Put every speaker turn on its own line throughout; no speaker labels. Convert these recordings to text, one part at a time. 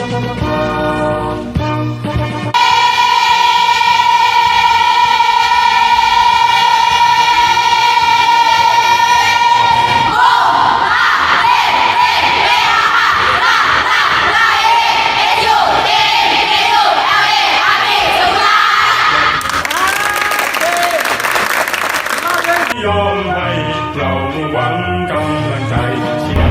ยอมให้เราหวังกำลังใจเชียร์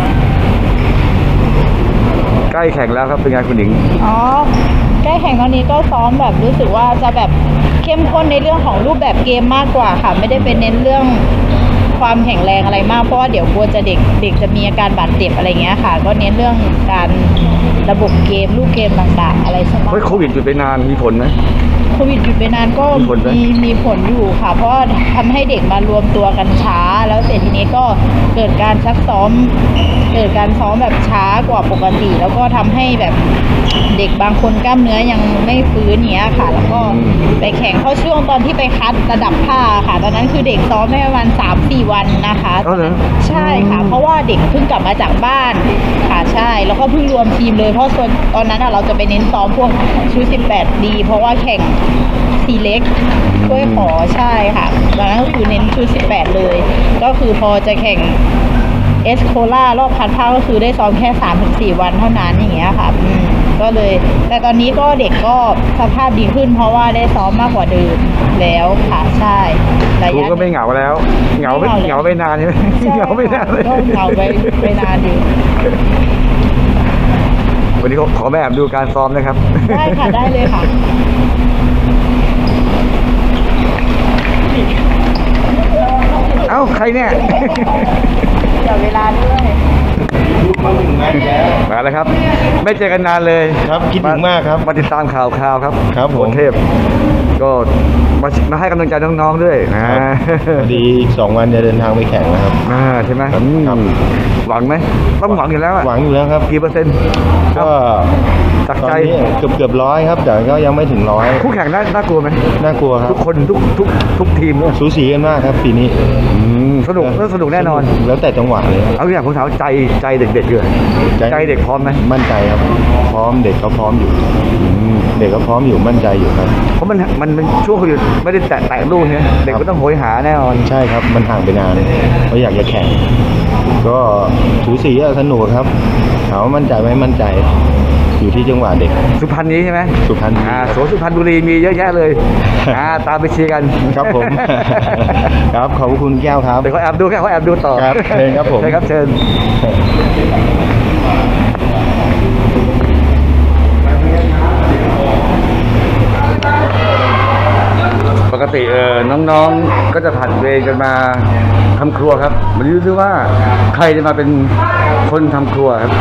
ใกล้แข่งแล้วครับเป็นไงคุณหญิง
อ๋อใกล้แข่งตอนนี้ก็ซ้อมแบบรู้สึกว่าจะแบบเข้มข้นในเรื่องของรูปแบบเกมมากกว่าค่ะไม่ได้เป็นเน้นเรื่องความแข็งแรงอะไรมากเพราะว่าเดี๋ยวกลัวจะเด็กจะมีอาการบาดเจ็บอะไรเงี้ยค่ะก็เน้นเรื่องการระบบเกมลูกเกมต่างๆอะไรสัก
เฮ้ยโควิดหยุดไปนานมีผลไหม
โควิดหยุดไปนานก็
มีผลไหม
มีผลอยู่ค่ะเพราะว่าทำให้เด็กมารวมตัวกันช้าแล้วเสร็จทีนี้ก็เกิดการซักซ้อมแบบช้ากว่าปกติ แล้วก็ทำให้แบบเด็กบางคนกล้ามเนื้อยังไม่ฟื้นเนี้ยค่ะ แล้วก็ไปแข่งเข้าช่วงตอนที่ไปคัดระดับภาคค่ะ ตอนนั้นคือเด็กซ้อมได้ประมาณ 3-4 วันนะคะ
อ๋อเหรอ
ใช่ค่ะ เพราะว่าเด็กเพิ่งกลับมาจากบ้านค่ะใช่แล้วก็เพิ่งรวมทีมเลยเพราะส่วนตอนนั้นเราจะไปเน้นซ้อมพวกชุด18 ดีเพราะว่าแข่งซีเล็กถ้วยขอใช่ค่ะตอนนั้นก็คือเน้นชุด18เลยก็คือพอจะแข่งเอสโคล่ารอบคัดภาคก็คือได้ซ้อมแค่ 3-4 วันเท่านั้นอย่างเงี้ยค่ะก็เลยแต่ตอนนี้ก็เด็กก็สภาพดีขึ้นเพราะว่าได้ซ้อมมากกว่าเดิมแล้วค่ะใช่ระ
ครู
ยะ
ก็ไม่เหงาแล้วเหงาไม่นานใช่ไหม
ใช่
เหงาไม่นานเลย
ก็เหงาไปนานอยู่
วันนี้ขอแอบดูการซ้อมนะครับ
ได้ค่ะได้เลยค่ะ
เอ้าใครเนี่ย
เดี๋ยวเวลาด้วย
มาแล้วครับ ไม่เจอกันนานเลย
ครับคิดถึงมากครับ
มาติดตามข่าวครับ
ครับผม
โหนเทพก็มาให้กำลังใจน้องๆด้วยนะ
พอดีอีก2 วันจะเดินทางไปแข่งนะครับ
ใช่ไหม
ครับ
หวังไหมต้องหวังอยู่แล้วอะ
หวังอยู่แล้วครับ
กี่เปอร์เซ็นต์
ก็
จาก
ตอน
ใจ
นี้เกือบ100ครับ แต่ก็ยังไม่ถึง100
คู่แข่งน่ากลัวไหม
น่ากลัวครั
ทุ
บ
กคนทุกทีม
สูสีกันมากครับปีนี้
สนุกแน่นอน
แล้วแต่จังหวะเลยครับ
เอาอย่างผมถามใจเด็กๆเลยใจเด็กพร้อมไหม
มั่นใจครับ พร้อมเด็กก็พร้อมอยู่เด็กก็พร้อมอยู่มั่นใจอยู่ครับ
เพราะมันเป็นช่วงโควิดไม่ได้แตะลูกเนี่ยเด็กก็ต้องโหยหาแน่นอน
ใช่ครับมันห่างไปนานเขาอยากจะแข่ง ก็สูสีอะสนุกครับถามว่ามั่นใจไหมมั่นใจ อยู่ที่จังหวะเด็ก
สุพรรณนี้ใช่ไหม
สุพรรณ
สวนสุพรรณบุรีมีเยอะแยะเลยตามไปเชียร์กัน
ครับผม ครับขอบคุณแก้วครับ
เดี๋ยวเขาแอบดูต่อ
ครับเชิญครับผม
เชิญครับเชิญปกติน้องๆก็จะผัดเวรกันมาทำครัวครับมาดูซิว่าใครจะมาเป็นคนทำครัวครับ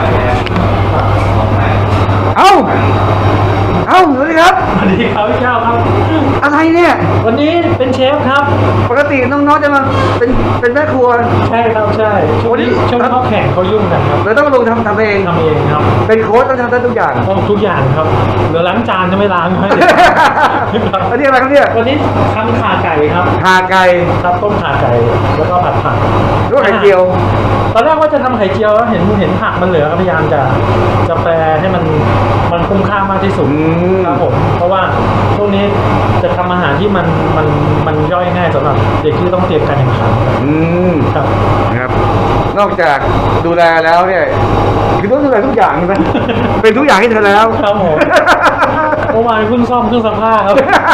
เอ้าสวัสดีครับ
สวัสดีครับพี่เจ้าครับ
อะไรเนี่ย
วันนี้เป็นเชฟครับ
ปกติน้องๆจะมาเป็นแม่ครัว
ใช่ครับใช่ช่วงนี้เขาแข่งเขายุ่งกันครับ
เราต้องลงทำเอง
ทำเองครับ
เป็นโค้ชต้องทำได้ทุกอย่าง
ต้องทุกอย่างครับเหลือล้างจานจะไม่ล้างให้เลย
อันนี้อะไรครับเนี่ย
วันนี้ทำขาไก่ครับ
ขาไก่
ครับต้มขาไก่แล้วก็ผัดผัก
ลวกไข่เจียว
ตอนแรกว่าจะทำไข่เจียวแล้วเห็นผักมันเหลือก็พยายามจะแปลให้มันคุ้มค่ามากที่สุดครับผมเพราะว่าช่วงนี้จะทำอาหารที่มันย่อยง่ายสำหรับเด็กที่ต้องเตรียมการแข่งขัน ครับ
นะครับ นอกจากดูแลแล้วเนี่ยคือต้องดูแลทุกอย่างใช่ไหม เป็นทุกอย่างให้เธอแล้ว
ครับผม เมื่อวานเพิ่งซ่อมเครื่องซักผ้าครับ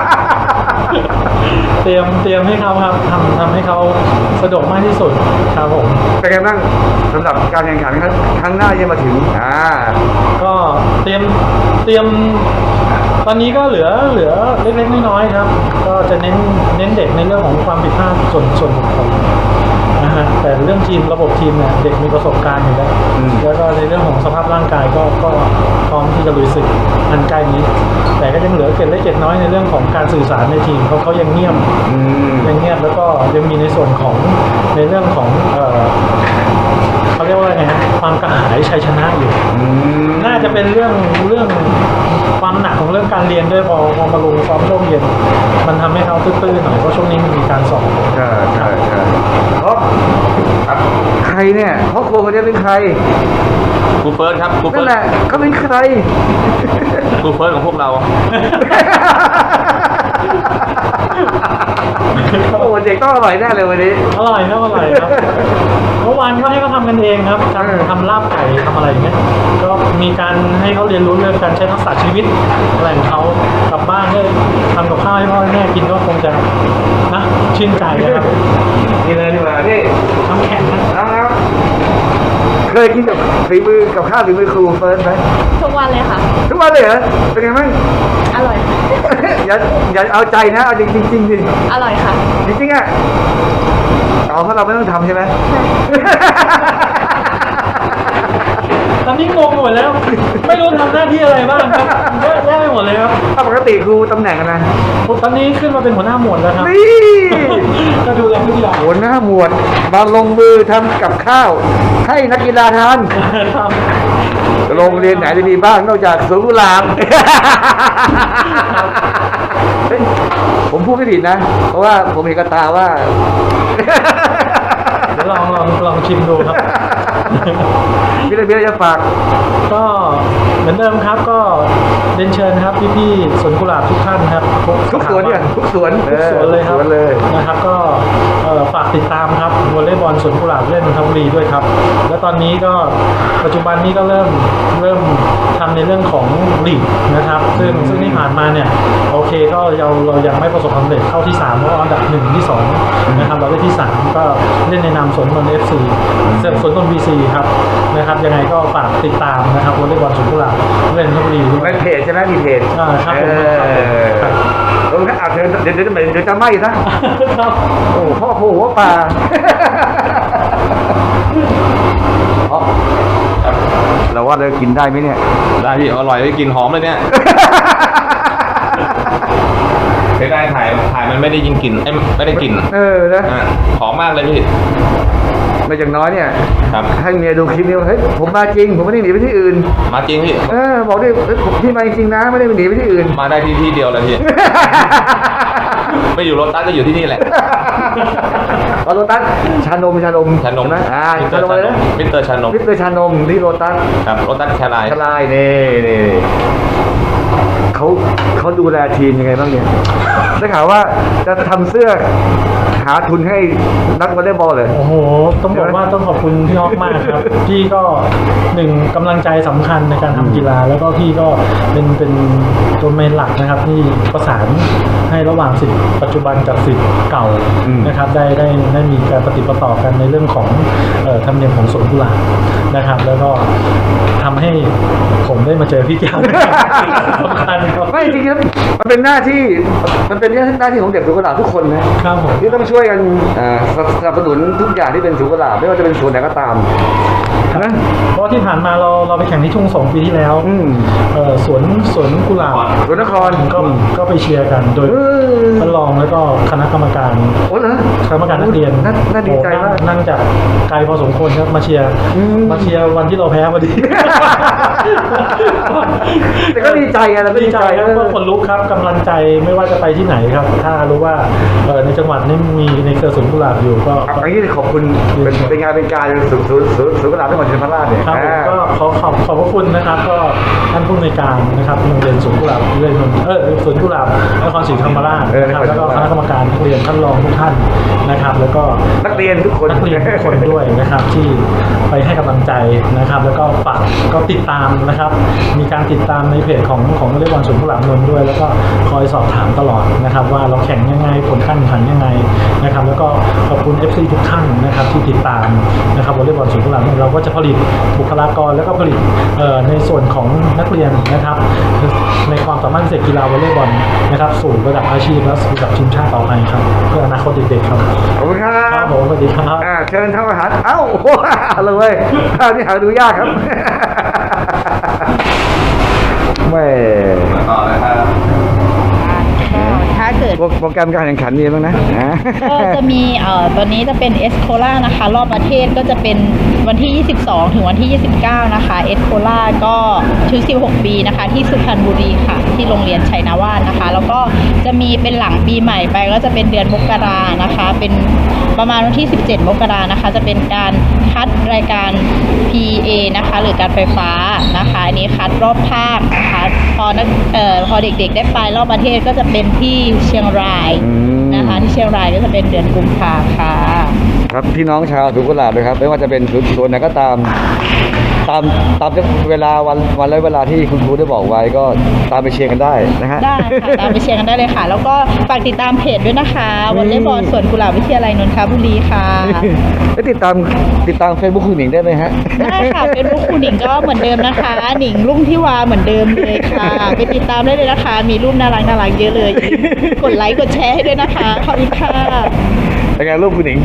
เตรียมให้เขาครับทำให้เขาสะดวกมากที่สุดครับผม
เป็นไงบ้างสำหรับการแข่งขันครั้งหน้าที่จะมาถึง
ก็เตรียมตอนนี้ก็เหลือเล็กๆน้อยๆครับ ก็จะเน้นเด็กในเรื่องของความผิดพลาดส่วนบุคคลนะฮะแต่เรื่องทีมระบบทีมเนี่ยเด็กมีประสบการณ์อยู่แล้วแล้วก็ในเรื่องของสภาพร่างกายก็พร้อมที่จะลุยศึกอันใกล้นี้ แต่ก็ยังเหลือเกร็ดเล็กเกร็ดน้อยในเรื่องของการสื่อสารในทีมเขายังเงียบแล้วก็ยังมีในส่วนของในเรื่องของคเขาเรียกว่าไงฮะความกระหายชัยชนะอยู่ น่าจะเป็นเรื่องความหนักของเรื่องการเรียนด้วยพอมาลงซ้อมช่วงเย็นมันทำให้เขาตื้อๆหน่อยเพราะช่วงนี้มันมีการสอบ
ใช่เพราะใครเนี่ยพ่อครัวคนนี้เป็นใคร
ครูเฟิร์สครับครูเฟิ
นั่
ร์
น
ส
แหละเขาเป็นใคร
ครูเฟิร์สของพวกเรา
โอ้เด็กต้องอร่อยแน่เลยวันนี้
อร่อยครับอร่อยครับเมื่อวานก็ให้เขาทำกันเองครับทำลาบไก่ทำอะไรอย่างเงี้ยก็มีการให้เขาเรียนรู้เรื่องการใช้ทักษะชีวิตอะไรของเขากลับบ้านก็ทำกับข้าวให้พ่อให้แม่กินก็คงจะนะชื่นใจนะครับ
นี่เลยดีกว่านี่
น้ำแข็งนะ
นะครับเคยกินกับฝีมือกับข้าวฝีมือครูเฟิร์สไหม
ทุกวันเลยค่ะ
ทุกวันเลยเหรอเป็นไงบ้าง
อร่อย
อย่าเอาใจนะเอาจริงจริงดิ
อร่อยค่ะ
จริงๆอ่ะเพราะเราไม่ต้องทำใช่ไหม
ตอนนี้งงหมดแล้ว ไม่รู้ทำหน้าที่อะไรบ้างครับเยอะแยะไปหมดเลยครับ
ถ้าปกติครูตำแหน่งอะไร
ตอนนี้ขึ้นมาเป็นหัวหน้าหมวดแล้วครับ
นี่
ก็ดูแลทุกอย่าง
หัวหน้าหมวดมาลงมือทำกับข้าว ให้นักกีฬาทาน
ครับ
โรงเรียนไหนจะมีบ้างนอกจากสวนกุหลาบเฮ้ยผมพูดไม่ผิดนะ เพราะว่าผมเห็นกระตาว่า
เดี๋ยวลองชิมดูครับ
พี่ระเบียจะฝาก
ก็เหมือนเดิมครับก็เรียนเชิญครับพี่ๆสวนกุหลาบทุกท่านครับ
ทุกสวนเนี่ยทุกสวน
ทุกสวนเลยครับ
สวนเลย
นะครับก็ฝากติดตามครับวอลเลย์บอลสวนกุหลาบเล่นนนทบุรีด้วยครับและตอนนี้ก็ปัจจุบันนี้ก็เริ่มทำในเรื่องของลีกนะครับ ซึ่งที่ผ่านมาเนี่ยโอเคก็เรายังไม่ประสบความสำเร็จเข้าที่3เพราะอันดับ1ที่2นะครับเราได้ที่3ก็เล่นในนามสวนนนท์ FC สวนนนท์ BC ครับนะครับยังไงก็ฝากติดตามนะครับวอลเลย์บอลสวนกุหลาบเล่นนนทบุรีด้วย
เป็นเพจใช่ไหมมีเพจ
ครับผมครับ
เออเดี๋ยวจะไหม้นะ
ครับ
โอ้พ่อโผหัวป่าอ๋อเราว่าเรากินได้ไหมเนี่ย
ได้พี่อร่อยเลยกลินหอมเลยเนี่ยเสียดายถ่ายมันไม่ได้ยินกลิ่นไม่ได้กลิ่น
เออนะ
หอมมากเลยพี่
ไม่อย่างน้อยเนี่ย
ครับ
ให้เมียดูคลิปนี้ว่าเฮ้ยผมมาจริง ผมไม่ได้หนีไปที่อื่น
มาจริงพี่
บอกดิเฮ้ยผมพี่มาจริงนะไม่ได้หนีไปที่อื่น
มาได้ที่เดียวเลยพี่ ไม่อยู่รถตัสก็อยู่ที่นี่แหละ
โรตัสชานม
ชานม
ใช่ไหมชานมอะไรนะ
มิสเตอร์ชานม
มิสเตอร์ชานมที่โรตัส
ครับรถตัสแคลาย
ชลายนี่เขาดูแลทีมยังไงบ้างเนี่ยได้ข่าวว่าจะทำเสื้อหาทุนให้นักวอลเลย์บอลเลย
โอ้โหต้องบอกว่าต้องขอบคุณพี่อ๊อฟมากครับ พี่ก็หนึ่งกำลังใจสำคัญในการทำกีฬา แล้วก็พี่ก็เป็นตัวเมนหลักนะครับที่ประสานให้ระหว่างสิทธิ์ปัจจุบันกับสิทธิ์เก่านะครับได้มีการปฏิปต่อกันในเรื่องของธรรมเนียมของสวนกุหลาบนะครับ แล้วก็ทำให้ผมได้มาเจอพี่แก้วสำคัญครับ
ไม่จริงครับมันเป็นหน้าที่ของเด็กสวนกุหลาบทุกคนนะครับ
ผม
ที่ต้องช่วยกันสนับสนุนทุกอย่างที่เป็นสวนกุหลาบไม่ว่าจะเป็นสวนไหนก็ตามนะ
เพราะที่ผ่านมาเราไปแข่งที่ทุ่งสงปีที่แล้วสวนกุหลาบ
สวนนคร
ก็ไปเชียร์กันโดยท่านรองแล้วก็คณะกรรมการ
โอ้เหรอ
คณะกรรมการนักเรียน
น่าดีใจมาก
นั่งจากไกลพอสมควรครับมาเชียร์วันที่เราแพ้พอดี
แต่ก็ดีใจไงเราก็
ดีใจครับก็คนลุกครับกำลังใจไม่ว่าจะไปที่ไหนครับ ถ้ารู้ว่าในจังหวัดนี้มีในเครือสวนกุหลาบอยู่ก็
อันนี้ขอบคุณเป็นงานเป็นการสวนกุหลาบจังหวัดชัยนาทเนี่ย
ครับผมก็ขอบพระคุณนะครับ ก็ท่านผู้อำนวยการนะครับโรงเรียนสวนกุหลาบเรียนสวนกุหลาบนครศรีธรรมราชนะครับแล้วก็คณะกรรมการนักเรียนท่านรองทุกท่านนะครับ แล้วก็
นักเรียนทุกคน
นักเรียนทุกคนด้วยนะครับที่ไปให้กำลังใจนะครับ แล้วก็ฝากก็ติดตามนะครับ มีการติดตามในเพจของวอลเลย์บอลสวนกุหลาบนนท์ด้วย แล้วก็คอยสอบถามตลอดนะครับ ว่าเราแข่งยังไงผลการแข่งขันยังไงนะครับ แล้วก็ขอบคุณ FC ทุกท่านนะครับที่ติดตามนะครับวอลเลย์บอลสวนกุหลาบเราก็จะผลิตบุคลากรแล้วก็ผลิตในส่วนของนักเรียนนะครับ ในความสามารถพิเศษกีฬาวอลเลย์บอลนะครับสู่ระดับอาชีพและสู่ระดับทีมชาติต่อไปครับเพื่ออนาคตเด็กๆครับ
ขอบคุณครั
ครับ บผมสวัสดีครับ
เชิญทำอาหารเอ้าเลยเว้ยข้าวนี่หาดูยากครับแม่
ต่อเลยครับ
ก็ถ้าเกิด
โปรแกรมการแข่งขันมีบ้างนะ
ก็จะมีตอนนี้จะเป็นเอสโคล่านะคะรอบประเทศก็จะเป็นวันที่ 22 ถึงวันที่ 29 นะคะเอสโคล่าก็ชุด16 ปีนะคะที่สุพรรณบุรีค่ะที่โรงเรียนชัยนาวาสนะคะแล้วก็จะมีเป็นหลังปีใหม่ไปก็จะเป็นเดือนมกรานะคะเป็นประมาณวันที่ 17 มกรานะคะจะเป็นการคัดรายการ PA นะคะหรือการไฟฟ้านะคะอันนี้คัดรอบภาคนะคะพอเด็กๆได้ไปรอบประเทศก็จะเป็นที่เชียงรายนะคะที่เชียงรายก็จะเป็นเดือนกุมภาค่ะ
ครับพี่น้องชาวสวนกุหลาบนะครับไม่ว่าจะเป็นสวนไหนก็ตามเวลาวันและเวลาที่คุณครูได้บอกไว้ก็ตามไปเชียร์กันได้นะฮะ
ได้ค่ะตามไปเชียร์กันได้เลยค่ะ แล้วก็ฝากติดตามเพจด้วยนะคะวอลเลย์บอลสวนกุหลาบวิทยาลัยนนทบุรีค่ะ
แล้วติดตามเฟซบุ๊กคุณหนิงได้ไหมฮะ
ได้ค่ะเฟซบุ๊กคุณหนิงก็เหมือนเดิมนะคะหนิงรุ่งที่วาเหมือนเดิมเลยค่ะไปติดตามได้เลยนะคะมีรูปน่ารักเยอะเลยกดไลค์กดแชร์ให้ด้วยนะคะขอบคุณค่ะ
เป็นไงรูปคุณหนิง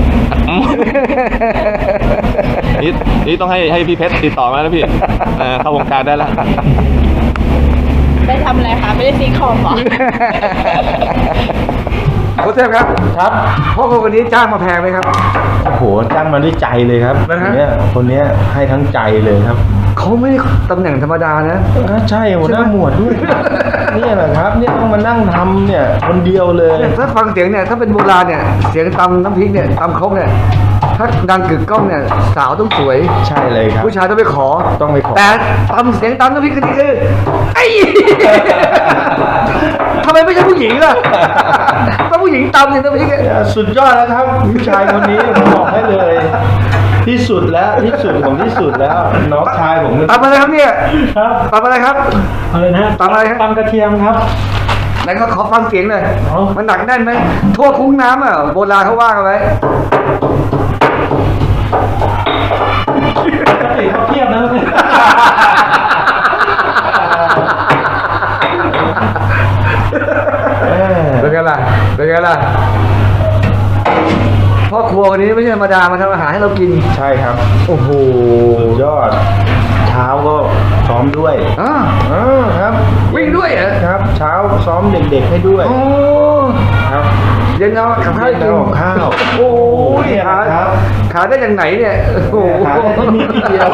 นี่ต้องให้พี่เพชรติดต่อมาแล้วพี่เข้าวงการได้แล้ว
ได้ทำอะไรคะไม่ได้ซีคอมหรอ
โค้ชเทพครับ
ครับ
พ่อคนนี้จ้างมาแพงไหมครับ
โอ้โหจ้างมาด้วยใจเลยครับคนนี้ให้ทั้งใจเลยครับ
เขาไม่ตำแหน่งธรรมดานะ
ใช่หัวหน้าหมวดด้วยนี่แหละครับเนี่ยต้องมานั่งทำเนี่ยคนเดียวเลย
ถ้าฟังเสียงเนี่ยถ้าเป็นโบราณเนี่ยเสียงตำน้ำพริกเนี่ยตำครกเนี่ยถ้าดังกึกก้องเนี่ยสาวต้องสวย
ใช่เลยครับ
ผู้ชายต้องไปขอแต่ตำเสียงตำน้ำพริกคือไอ้ทำไมไม่ใช่ผู้หญิงล่ะถ้าผู้หญิงตำเนี่ยน้ำพริก
สุดยอดแล้วครับผู้ชายคนนี้ผมบอกให้เลยที่สุดแล้วที่สุดของที่สุดแล้วน้องชายผม
ตำอะไรครับเนี่ย
ครับ
ตำอะไรครับ
อะไรนะ
ตำอะไรครับ
ตำกระเทียมครับ
ไหนก็ขอฟังเสียงหน่อยมันหนักแน่นไหมทั่วคุ้งน้ำอ่ะโบราณเขาว่ากันไว้
ปกติเขาเทียบนะ
เป็นไงล่ะพ่อครัววันนี้ไม่ใช่ธรรมดามาทำอาหารให้เรากิน
ใช่ครับ
โอ้โห
ยอดเช้าก็ซ้อมด้วยครับ
วิ่งด้วยเหรอ
ครับเช้าซ้อมเด็กๆให้ด้วย
โอ้
ครับ
เย็นเอากับข้าวกิน
ข้าว
โอ้ยขาได้อย่างไหนเนี่ยโอ้
ขาได้ที่นี่ที่เดียว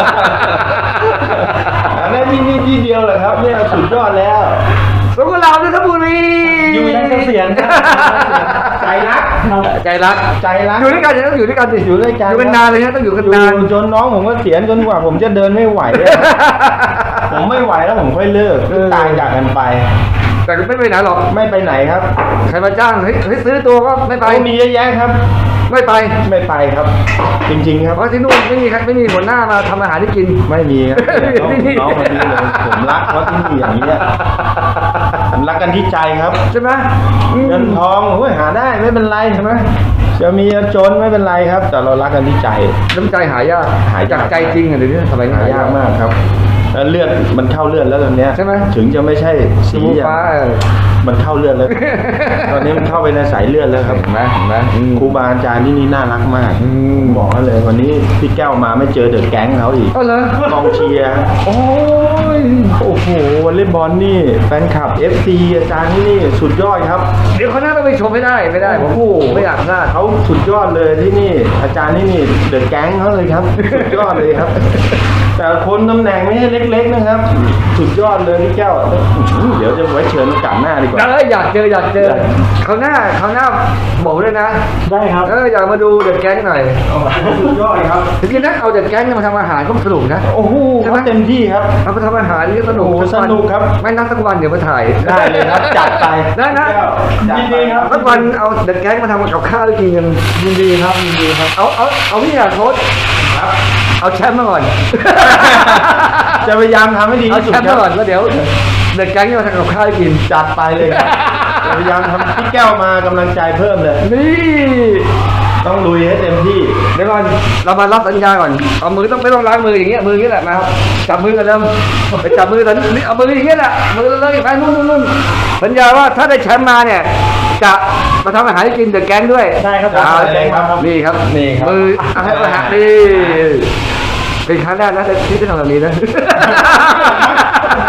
ได้ที่นี่ที่เดียวเหรอครับเนี่ยสุดยอดแล้ว
สวนกุหลาบนนทบุรี
อยู่ในเสียง
ใจรักอยู่ด้วยกันต้องอยู่ด้วยกันสิ
อยู่ด้วยกัน
อยู่กันนานเลยนะต้องอยู่กันนาน
จนน้องผมก็เสียจนกว่าผมจะเดินไม่ไหวผมไม่ไหวแล้วผมค่อยเลิกตายจากกันไป
แต่ไม่ไปไหนหรอก
ไม่ไปไหนครับ
ใครมาจ้างเฮ้ยซื้อตัวก็ไม่ไป
มีเยอะแยะครับ
ไม่ไป
ครับจริงๆครับ
เพราะที่นู่นไม่มีหัวหน้ามาทำอาหารให้กิน
ไม่มีครับน้องคนนี้เลยผมรักเพราะที่นี่อย่างนี้ผมรักกันที่ใจครับ
ใช่ไหม
เงินทองหาได้ไม่เป็นไรใช่ไหมจะมีจนไม่เป็นไรครับแต่เรารักกันที่ใจ
น้ำใจหายากจากใจจริงเดี๋ยวนี้
ทำไมหายากมากครับเลือดมันเข้าเลือดแล้วตอนนี้
ใช่ไหม
ถึงจะไม่ใช่สี
ฟ้า
มันเข้าเลือดแล้วตอนนี้มันเข้าไปในสายเลือดแล้วครับ
เห็นไหม
ครูบาอาจารย์ที่นี่น่ารักมากบอกเลยวันนี้พี่แก้วมาไม่เจอเดอะแก๊งเขาอีกกองเชียร์โอ้โหวอลเลย์บอลนี่แฟนคลับ FC อาจารย์ที่นี่สุดยอดครับ
เดี๋ยวเขาน่าจะไปชมไม่ได้ผมไม่อยากพลาด
เขาสุดยอดเลยที่นี่อาจารย์ที่นี่เดอะแก๊งเขาเลยครับสุดยอดเลยครับแต่คนตำแหน่งไม่ใช่เล็กๆนะครับสุดยอดเลยพี่แก้วเดี๋ยวจะไว้เชิญโอกาสหน้าดีกว่า
อยากเจอเขาหน้าบอกเลยนะ
ได้ครับ
อยากมาดูเด็กแก๊งหน่อย
สุดยอดครับ
จริงๆนะเอาเด็กแก๊งมาทำอาหารก็สนุกนะ
โอ้โหเต็มที่ครับ
เอาไปทำอาหารนี่สนุก
ครับ
ไม่นั่งสักวันเดี๋ยวมาถ่าย
ได้เลยครับจัดไป
ได้นะ
ยินดีครับ
สักวันเอาเด็กแก๊งมาทำกับข้าวกินกัน
ยินดีครับ
เอาพี่โค้ช
ครับ
เอาแชมป์มาก่อน
จะพยายามทำให้ดี
ที่สุดเอาแชมป์มาก่อนแล้วเดี๋ยวเด็กแก๊งมาทำกับข้าวกิน
จัดไปเลยครับพยายามทำพี่แก้วมากำลังใจเพิ่มเลย
นี่
ต้องลุยให้เต็มที่
เดี๋ยวก่อนเรามารับสัญญาก่อนเอามือต้องไม่ต้องล้างมืออย่างเงี้ยมืออย่างเงี้ยแหละมาครับจับมือกันเริ่มไปจับมือตอนนี้เอามืออย่างเงี้ยแหละมือเลยไปนู่นสัญญาว่าถ้าได้แชมป์มาเนี่ยจะมาทำอาหารให้กินเดอะแก๊งด้วย
ได้ครับ
นี่ครับมือให้อาหารนี่เป็นครั้งแรกนะที่ได้ทำแบบนี้นะ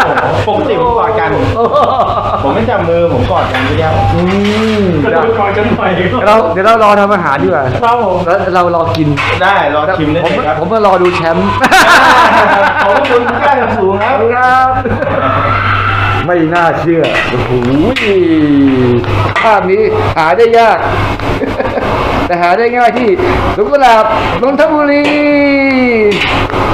ปกติผมกอดกัน ผมไม่จับมือผมกอดกันพี่แก้ว
ก็ดูก่อนกันหน่อย
เดี๋ยวเรารอทำอาหารดีกว่า
ครับผม
แล้วเรารอกิน
ได้รอชิมได้
ผม
เลยครับ
ผมมารอดูแชมป์
ขอบคุณพี่แก้วอย่างสูงครับ
ครับ ไม่น่าเชื่อ โอ้โหภาพนี้หาได้ยาก แต่หาได้ง่ายที่สวนกุหลาบนนทบุรี